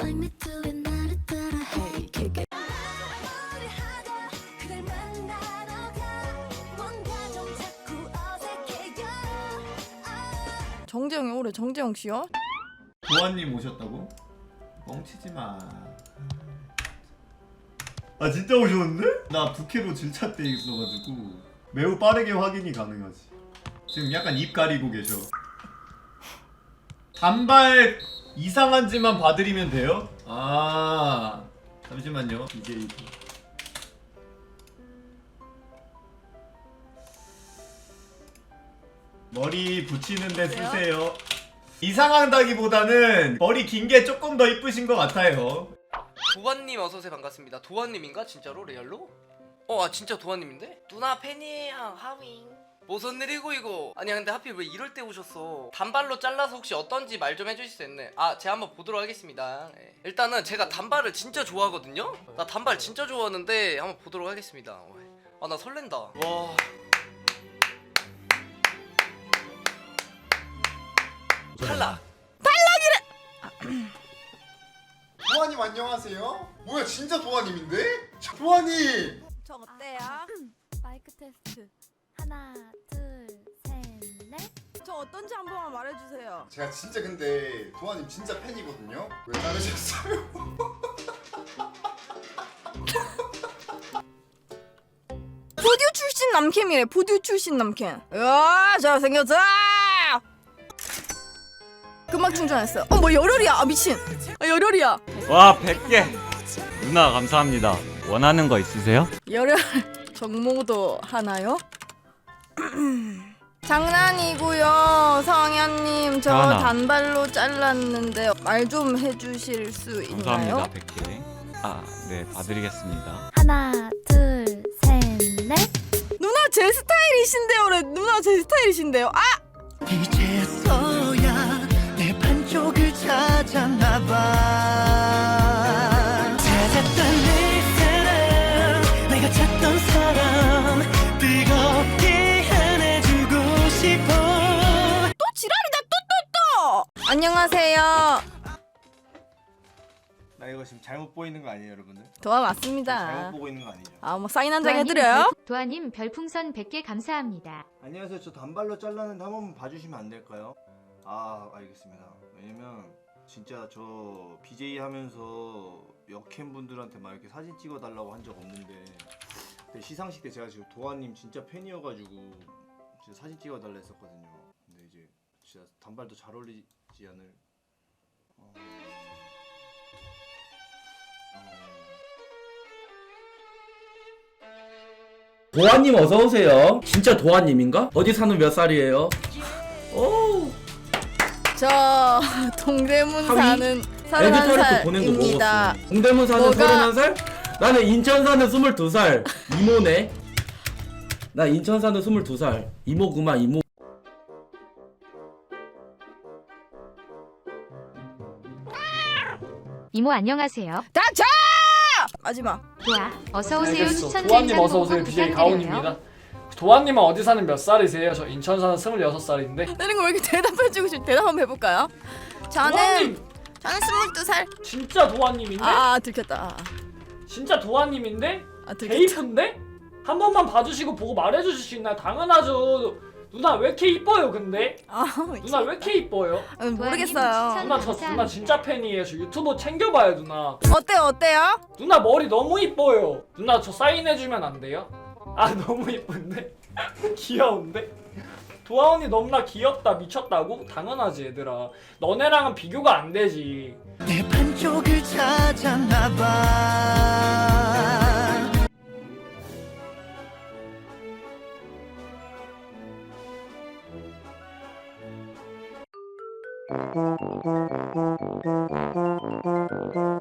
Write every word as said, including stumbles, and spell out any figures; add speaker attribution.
Speaker 1: 정재영이 올해 정재영 씨요?
Speaker 2: 도아님 오셨다고? 뻥치지 마. 아 진짜 오셨는데? 나 부캐로 질차 때 있어가지고 매우 빠르게 확인이 가능하지. 지금 약간 입 가리고 계셔. 단발 이상한지만 봐드리면 돼요? 아 잠시만요. 이게 머리 붙이는데 쓰세요. 이상하다기보다는 머리 긴 게 조금 더 이쁘신 것 같아요.
Speaker 3: 도환님 어서오세요. 반갑습니다. 도환님인가? 진짜로? 레알로? 어, 아 진짜 도환님인데? 누나 팬이에요. 하윙. 무슨 일이고 이거? 아니 근데 하필 왜 이럴 때 오셨어? 단발로 잘라서 혹시 어떤지 말 좀 해주실 수 있네. 아 제가 한번 보도록 하겠습니다. 네. 일단은 제가 단발을 진짜 좋아하거든요? 나 단발 진짜 좋아하는데 한번 보도록 하겠습니다. 아 나 설렌다. 와. 탈락.
Speaker 4: 도아님 안녕하세요. 뭐야 진짜 도아님인데? 도아님.
Speaker 1: 저 어때요?
Speaker 5: 마이크 테스트 하나 둘셋넷
Speaker 1: 저 어떤지 한 번만 말해주세요.
Speaker 4: 제가 진짜 근데 도아님 진짜 팬이거든요. 왜 자르셨어요?
Speaker 1: 보듀 출신 남캠이래. 보듀 출신 남캠. 으아 잘생겼어. 금방 충전했어. 어 뭐 열혈이야. 아 미친. 아 열혈이야.
Speaker 6: 와 백 개 누나 감사합니다. 원하는 거 있으세요?
Speaker 1: 열혈 정모도 하나요? 장난이고요. 성현님 저
Speaker 6: 하나.
Speaker 1: 단발로 잘랐는데 말 좀 해주실 수 있나요?
Speaker 6: 감사합니다. 백 개. 아, 네, 봐드리겠습니다.
Speaker 5: 하나 둘셋넷
Speaker 1: 누나 제 스타일이신데요. 그래. 누나 제 스타일이신데요. 아!
Speaker 7: 이제서야 내 반쪽을 찾았나봐. 찾았던 내 사람, 내가 찾던 사람, 뜨겁게 안아주고 싶어.
Speaker 1: 또 지랄이다. 또 또 또. 안녕하세요.
Speaker 8: 나 이거 지금 잘못 보이는 거 아니에요, 여러분들?
Speaker 1: 도와
Speaker 8: 잘못
Speaker 1: 맞습니다.
Speaker 8: 보고 있는 거 아니죠?
Speaker 1: 아 뭐 사인 한 장 해드려요?
Speaker 9: 도아님 별풍선 백 개 감사합니다.
Speaker 8: 안녕하세요, 저 단발로 잘랐는데 한 번만 봐주시면 안 될까요? 아, 알겠습니다. 왜냐면 진짜 저 비제이 하면서 역캠 분들한테 막 이렇게 사진 찍어달라고 한 적 없는데 근데 시상식 때 제가 지금 도아님 진짜 팬이어가지고 진짜 사진 찍어달라 했었거든요. 근데 이제 진짜 단발도 잘 어울리지 않을. 어...
Speaker 10: 도아님 어서오세요. 진짜 도아님인가? 어디 사는 몇 살이에요? 오,
Speaker 1: 저 동대문
Speaker 10: 하위?
Speaker 1: 사는
Speaker 10: 에디터리트 보낸 거
Speaker 1: 서른한 살입니다.
Speaker 10: 먹었어. 동대문 사는
Speaker 1: 뭐가?
Speaker 10: 서른한 살? 나는 인천 사는 스물두 살. 이모네. 나 인천 사는 스물두 살. 이모구만 이모.
Speaker 9: 이모 안녕하세요.
Speaker 1: 닥쳐! 마지막.
Speaker 9: 도아 어서 오세요.
Speaker 11: 알겠어.
Speaker 9: 추천
Speaker 11: 도아님
Speaker 9: 젠장
Speaker 11: 어서 오세요.
Speaker 9: 공부
Speaker 11: 비제이
Speaker 9: 부탁드려요.
Speaker 11: 가온입니다. 도아님은 어디 사는 몇 살이세요? 저 인천 사는 스물여섯 살인데.
Speaker 1: 이런 거 왜 이렇게 대답해주고 싶? 대답 한번 해볼까요? 저는
Speaker 11: 도아님
Speaker 1: 저는 스물두 살.
Speaker 11: 진짜 도아님인데?
Speaker 1: 아, 아 들켰다. 아,
Speaker 11: 진짜 도아님인데?
Speaker 1: 아 들켰다.
Speaker 11: 개이쁜데? 한 번만 봐주시고 보고 말해주실 수 있나요? 당연하죠. 누나 왜 이렇게 이뻐요 근데?
Speaker 1: 아,
Speaker 11: 누나 왜 이렇게 이뻐요?
Speaker 1: 아, 모르겠어요.
Speaker 11: 누나 저 누나 진짜 팬이에요. 저 유튜브 챙겨봐요 누나.
Speaker 1: 어때요, 어때요?
Speaker 11: 누나 머리 너무 이뻐요. 누나 저 사인해주면 안 돼요? 아 너무 이쁜데? 귀여운데? 도아 언니 너무나 귀엽다. 미쳤다고? 당연하지 얘들아. 너네랑은 비교가 안 되지.
Speaker 7: 내 반쪽을 찾았나봐.
Speaker 5: Thank you.